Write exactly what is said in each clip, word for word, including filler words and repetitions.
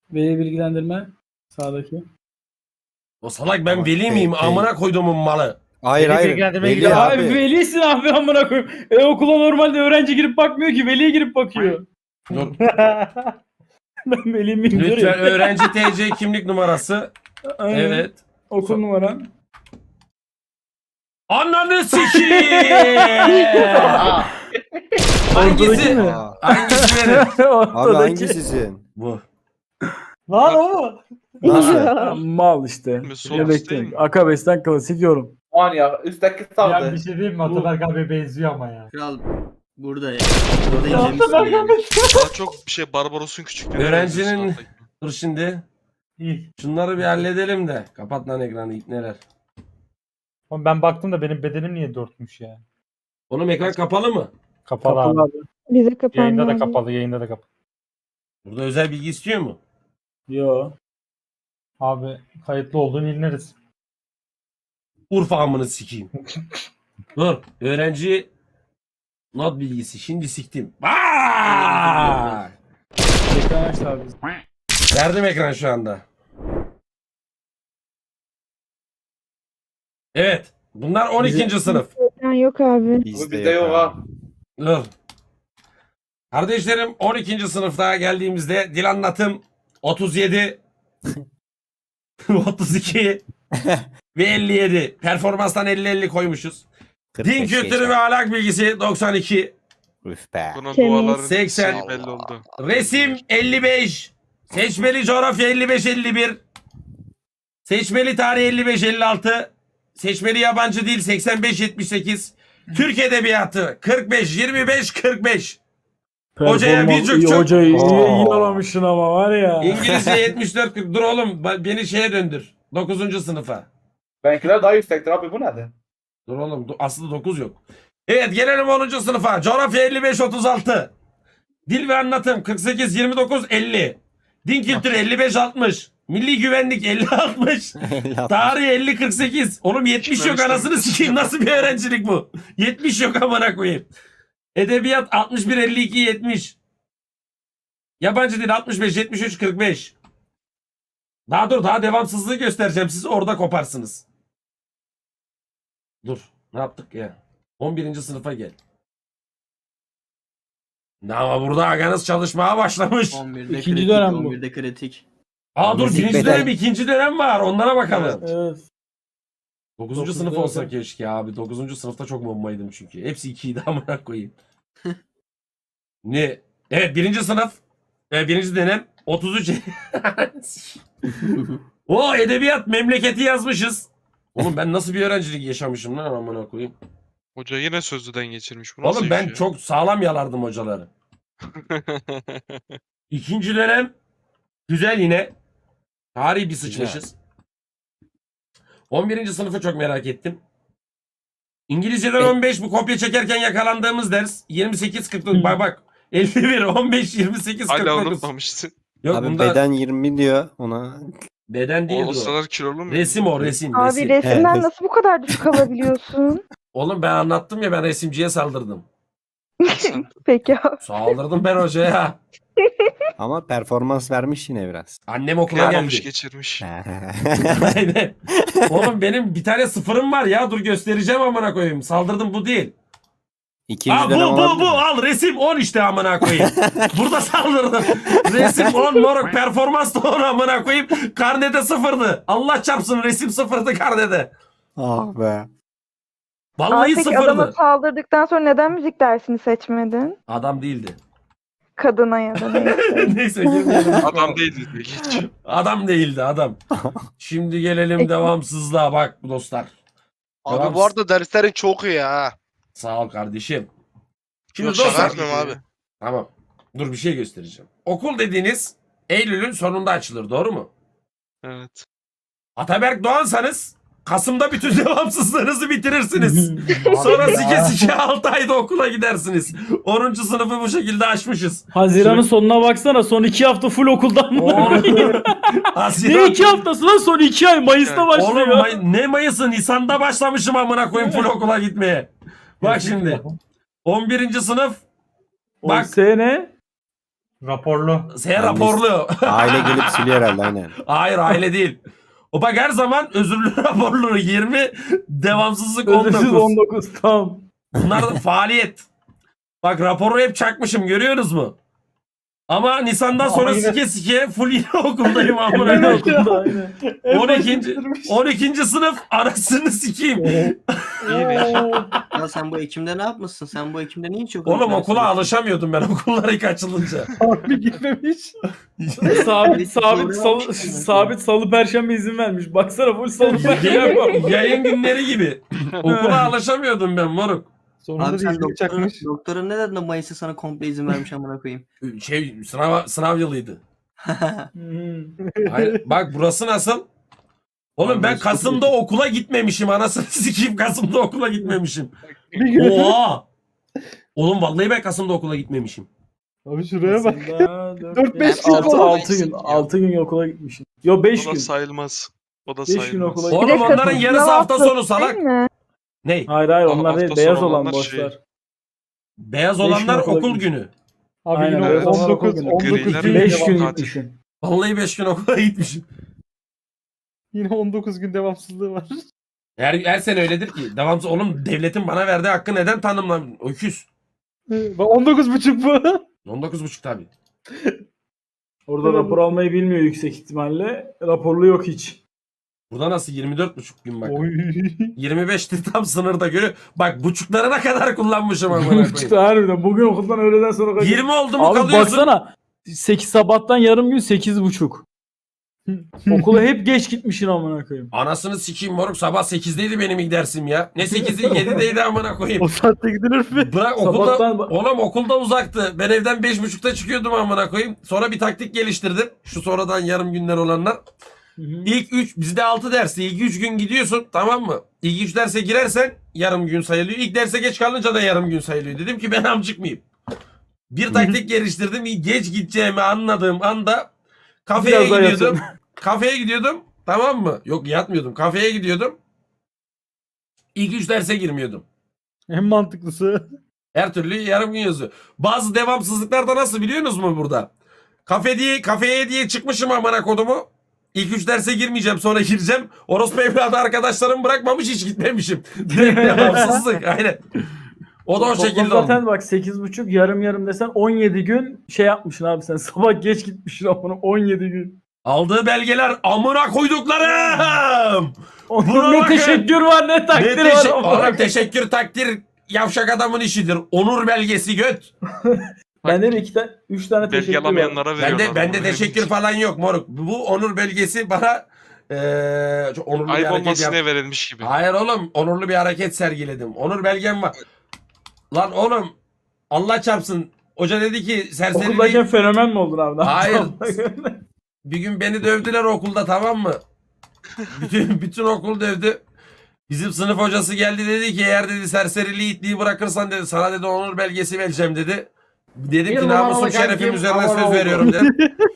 Veli bilgilendirme. Sağdaki. O salak ben Ama veli şey- miyim? şey- Amına koyduğumun malı. Hayır Veli hayır. bilgilendirmeye Veli gidiyor Ya abi. abi velisin abi amına koyayım. E okula normalde öğrenci girip bakmıyor ki. Veli girip bakıyor. Dur. Ben veli miyim? Dur Lütfen ya. öğrenci T C kimlik numarası. Aynen. Evet. Okul numaran. Ananı sikiyim. Hangisi? mi? Hangisi benim? Abi Ortadaki. hangisisin? Bu. Lan o. Nasıl? Mal işte. Sol Ne üst değil bekliyorsun? mi? Akabes'ten klasik yorum. Aman ya üstteki Ya sağdı. bir şey diyeyim mi? Ataberk abi benziyor ama ya. Kral burada ya. Burada incemişsin yani. Daha çok bir şey Barbaros'un küçüklüğü. Öğrencinin- Dur şimdi. İyi. Şunları bir halledelim de. Kapat lan ekranı neler. Oğlum ben baktım da benim bedenim niye dörtmüş ya? Oğlum ekran kapalı mı? Kapalı, Kapalı abi. abi. Bize kapandı. Yayında da abi. kapalı, yayında da kapalı. Burada özel bilgi istiyor mu? Yo. Abi kayıtlı olduğunu inleriz. Urfa amını sikeyim. Dur. Öğrenci not bilgisi. Şimdi siktim. Bak! Ekran aç abi. Verdim ekran şu anda. Evet. Bunlar on ikinci sınıf. Ekran yok abi. Bu bizde yok ha. Dur. Kardeşlerim on ikinci sınıfta geldiğimizde dil anlatım otuz yedi otuz iki ve elli yedi. Performanstan elli elli koymuşuz. Din kültürü ve ahlak bilgisi doksan iki. Üf be. Bunun Temiz. duaların seksen. şeyi belli oldu. Resim elli beş. Seçmeli coğrafya elli beş elli bir. Seçmeli tarih elli beş elli altı. Seçmeli yabancı dil seksen beş yetmiş sekiz. Türk edebiyatı kırk beş yirmi beş kırk beş. Hocaya Performans bir cuk iyi, cuk. Hocayı iyi, Oo. iyi alamışsın ama var ya. İngilizce yetmiş dört kırk. Dur oğlum ba- beni şeye döndür. dokuzuncu sınıfa. Benimkiler daha yüksektir abi bu nedir? Dur oğlum do- aslında dokuz yok. Evet gelelim onuncu sınıfa. Coğrafya elli beş otuz altı. Dil ve anlatım kırk sekiz yirmi dokuz elli. Din kültürü elli beş altmış. Milli güvenlik elli altmış. Tarih elli kırk sekiz. Oğlum yetmiş yok anasını sikeyim. Nasıl bir öğrencilik bu? yetmiş yok amına koyayım. Edebiyat altmış bir elli iki yetmiş. Yabancı dil altmış beş yetmiş üç kırk beş. Daha dur daha devamsızlığı göstereceğim. Siz orada koparsınız. Dur. Ne yaptık ya? on birinci sınıfa gel. Ne ama burada aganız çalışmaya başlamış. on birde İkinci kritik, dönem bu. on birde kritik. Aa dur Müzik birinci beden. dönem ikinci dönem var. Onlara bakalım. Evet. Dokuzuncu Dokuz sınıf dönem. olsa keşke abi. Dokuzuncu sınıfta çok bombaydım çünkü. Hepsi ikiydi amına koyayım. Ne? Evet birinci sınıf. E, birinci dönem. otuz üç. O edebiyat memleketi yazmışız. Oğlum ben nasıl bir öğrencilik yaşamışım lan amına koyayım. Hoca yine sözlüden geçirmiş. Bu nasıl Oğlum ben iş ya? çok sağlam yalardım hocaları. İkinci dönem güzel yine. Tarihi bir sıçmışız. on birinci sınıfı çok merak ettim. İngilizceden on beş bu kopya çekerken yakalandığımız ders. yirmi sekiz kırk dokuz bak bak. elli bir on beş yirmi sekiz kırk Hala dokuz. unutmamışsın. Yok Abi bunda beden, beden yirmi diyor ona. değil O, o o. kadar kilolu mu? Resim o resim. Abi resim. resimden Evet. nasıl bu kadar düşük alabiliyorsun? Oğlum ben anlattım ya ben resimciye saldırdım. Sen- Peki abi. Saldırdım ben hocaya. Ama performans vermiş yine biraz. Annem okula Kıyamamış geldi. geçirmiş. Aynen. Oğlum benim bir tane sıfırım var ya dur göstereceğim amına koyayım. Saldırdım bu değil. İkinci Aa, bu dönem bu olabilir bu mi? al resim on işte amına koyayım. Burada saldırdım. Resim on moruk performans da on amına koyayım. Karnede sıfırdı. Allah çarpsın resim sıfırdı karnede. Ah be. Vallahi Abi peki adama sıfırdı. saldırdıktan sonra neden müzik dersini seçmedin? Adam değildi. Kadına ya da neyse. Neyse girmeyelim. Adam değildi diyor. Geç. Adam değildi adam. Şimdi gelelim Peki. devamsızlığa bak dostlar. Abi Devam- bu arada derslerin çok iyi ha. Sağ ol kardeşim. Şimdi Yok, şaka dostlar. yapmıyorum abi. Tamam. Dur bir şey göstereceğim. Okul dediğiniz Eylül'ün sonunda açılır doğru mu? Evet. Ataberk Doğansanız Kasım'da bütün devamsızlığınızı bitirirsiniz. Sonra sike sike altı ayda okula gidersiniz. onuncu sınıfı bu şekilde açmışız. Haziran'ın sonuna baksana. Son iki hafta full okuldan mı? ne Haziran. iki haftası lan? Son iki ay. Mayıs'ta Yani, başlıyor. Oğlum May- ne Mayıs'ı Nisan'da başlamışım amına koyayım full okula gitmeye. Bak şimdi. on birinci sınıf. O Bak. sene Raporlu. S raporlu. Aile gelip siliyor herhalde aynen. Hayır aile değil. O bak her zaman özürlü raporlu yirmi, devamsızlık on Özürsüz dokuz. on dokuz tam. Bunlar da faaliyet. Bak raporu hep çakmışım görüyorsunuz mu? Ama Nisan'dan Ama sonra yine- sike sike full yine okuldayım amına Aynı koyayım. okulda aynı. on ikinci on ikinci sınıf anasını sikeyim. Ya sen bu Ekim'de ne yapmışsın? Sen bu Ekim'de niye hiç yok? Oğlum okula alışamıyordum ben okullar ilk açılınca. Harbi gitmemiş. sabit sabit salı, sabit salı perşembe izin vermiş. Baksana full salı perşembe. Yayın, yayın günleri gibi. Okula alışamıyordum ben moruk. Sonunda Abi sen değişiklik doktorun, çakmış. doktorun ne dedi de Mayıs'ta sana komple izin vermiş amına koyayım. Şey sınav sınav yılıydı. Hmm. Hayır, bak burası nasıl? Oğlum ben Kasım'da okula gitmemişim anasını sikeyim Kasım'da okula gitmemişim. Oha! Oğlum vallahi ben Kasım'da okula gitmemişim. Abi şuraya bak. Aslında Dört beş gün altı, falan. altı gün. altı gün okula gitmişim. Yo beş O da gün. sayılmaz. O da Beş gün sayılmaz. okula Oğlum Bir de onların Kasım yarısı sınav hafta haftası sonu salak. değil mi? Ne? Hayır hayır Aa, onlar değil. hafta Beyaz sonu olan olanlar boşlar. şey. Beyaz Beş gün olanlar okula okul gitmiş. günü. Abi Aynen, yine evet. on dokuz Griler on dokuz gün beş devam- gün tatil. gitmişim. Vallahi beş gün okula gitmişim. Yine on dokuz gün devamsızlığı var. Her, her sene öyledir ki. Devamsız oğlum devletin bana verdiği hakkı neden tanımlam? Öküz. Bak on dokuz buçuk bu. on dokuz buçuk tabii. Orada rapor almayı bilmiyor yüksek ihtimalle. Raporlu yok hiç. Burada nasıl yirmi dört buçuk gün bak. Oy. yirmi beşti tam sınırda görüyor. Bak buçuklarına kadar kullanmışım amına koyayım. Çıktı harbiden. Bugün okuldan öğleden sonra kaç- yirmi oldu mu Abi kalıyorsun? baksana. sekiz sabahtan yarım gün sekiz buçuk. Okula hep geç gitmişsin amına koyayım. Anasını sikeyim moruk sabah sekizdeydi benim ilk dersim ya. Ne sekizi yedideydi amına koyayım. O saatte gidilir mi? Bırak okulda, Sabahtan- oğlum okulda uzaktı. Ben evden beş buçukta çıkıyordum amına koyayım. Sonra bir taktik geliştirdim. Şu sonradan yarım günler olanlar. Hı hı. İlk üç bizde altı dersi. İlk üç gün gidiyorsun tamam mı? İlk üç derse girersen yarım gün sayılıyor. İlk derse geç kalınca da yarım gün sayılıyor. Dedim ki ben amcık mıyım? Bir taktik geliştirdim. Geç gideceğimi anladığım anda kafeye Biraz daha gidiyordum. yatın. Kafeye gidiyordum. Tamam mı? Yok yatmıyordum. Kafeye gidiyordum. İlk üç derse girmiyordum. En mantıklısı. Her türlü yarım gün yazıyor. Bazı devamsızlıklar da nasıl biliyorsunuz mu burada? Kafe diye, kafeye diye çıkmışım amına kodumu. İlk üç derse girmeyeceğim sonra gireceğim. Orospu evladı arkadaşlarım bırakmamış hiç gitmemişim. Direkt devamsızlık aynen. O da o Toplam şekilde zaten oldu. bak sekiz buçuk yarım yarım desen on yedi gün şey yapmışsın abi sen. Sabah geç gitmişsin amına on yedi gün. Aldığı belgeler amına koyduklarım. Buna Onun ne bakın. teşekkür var ne Ne takdir var. teşekkür, amına oğlum teşekkür takdir yavşak adamın işidir. Onur belgesi göt. Bende de iki tane, üç tane teşekkür Belge var. alamayanlara veriyorlar. Bende bende bunu. teşekkür falan yok moruk. Bu onur belgesi bana eee çok onurlu bir Ayıp hareket olmasın yap. diye verilmiş gibi. Hayır oğlum onurlu bir hareket sergiledim. Onur belgem var. Lan oğlum Allah çarpsın. Hoca dedi ki Okuldayken serseriliği fenomen mi oldun abi? Hayır. bir gün beni dövdüler okulda tamam mı? Bütün bütün okul dövdü. Bizim sınıf hocası geldi dedi ki eğer dedi serseriliği itliği bırakırsan dedi sana dedi onur belgesi vereceğim dedi. Dedim Bir ki numaralı namusum şerefim kankim, üzerine aman söz oldu. veriyorum dedim.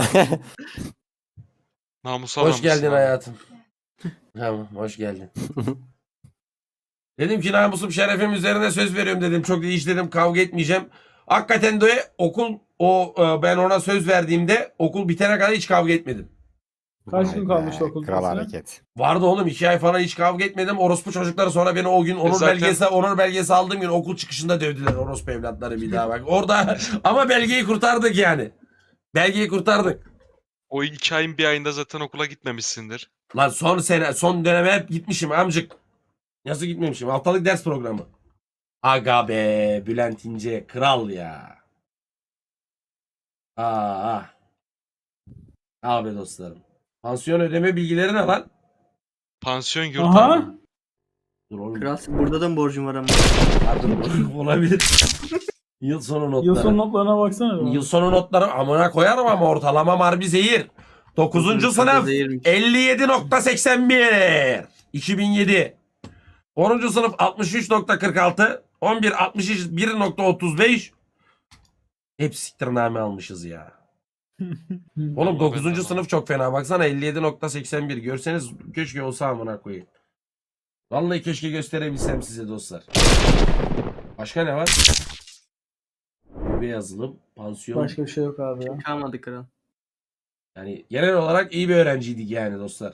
Namusa Hoş namusa. geldin hayatım. Tamam hoş geldin. Dedim ki namusum şerefim üzerine söz veriyorum dedim. Çok hiç dedim kavga etmeyeceğim. Hakikaten de okul o e, ben ona söz verdiğimde okul bitene kadar hiç kavga etmedim. Kaç gün Vay kalmıştı be, okul Kral bitmesine? hareket. Vardı oğlum iki ay falan hiç kavga etmedim. Orospu çocukları sonra beni o gün onur zaten- belgesi onur belgesi aldığım gün okul çıkışında dövdüler orospu evlatları bir daha bak. Orada ama belgeyi kurtardık yani. Belgeyi kurtardık. O iki ayın bir ayında zaten okula gitmemişsindir. Lan son sene son döneme hep gitmişim amcık. Nasıl gitmemişim? Haftalık ders programı. Aga be Bülent İnce kral ya. Aa. Abi dostlarım. Pansiyon ödeme bilgileri ne lan? Pansiyon yurt Aha. abi. Dur oğlum. Kral burada da mı borcun var ama? Pardon, olabilir. Yıl sonu notları. Yıl sonu notlarına baksana. Yıl sonu notları amına koyarım ama ortalama harbi zehir. dokuzuncu sınıf Zehirmiş. elli yedi nokta seksen bir. iki bin yedi. onuncu sınıf altmış üç nokta kırk altı. on bir altmış bir nokta otuz beş. Hep siktirname almışız ya. Oğlum Vallahi dokuzuncu ben de sınıf çok fena. Baksana elli yedi nokta seksen bir. Görseniz keşke olsa amına koyayım. Vallahi keşke gösterebilsem size dostlar. Başka ne var? yazılım, pansiyon. Başka bir şey yok abi ya. Kalmadı kral. Yani genel olarak iyi bir öğrenciydik yani dostlar.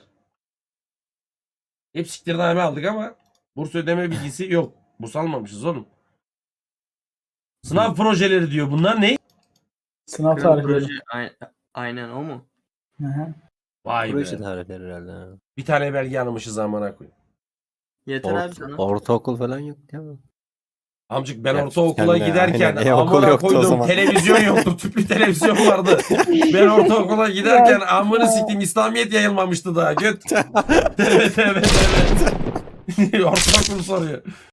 Hep siktirname aldık ama burs ödeme bilgisi yok. Burs almamışız oğlum. Sınav projeleri diyor. Bunlar ne? Sınav Kral tarihleri. proje. Aynen, aynen o mu? Hı hı. Vay Proje be. tarihleri herhalde. ha. Bir tane belge almışız amına koyayım. Yeter Ort- abi sana. ortaokul falan yok değil mi? Amcık ben Ya, ortaokula kendine, giderken aynen, e-okul amına yoktu o koydum zaman. televizyon yoktu. Tüplü televizyon vardı. Ben ortaokula giderken amını siktim İslamiyet yayılmamıştı daha. Göt. Evet evet evet. Ortaokul soruyor.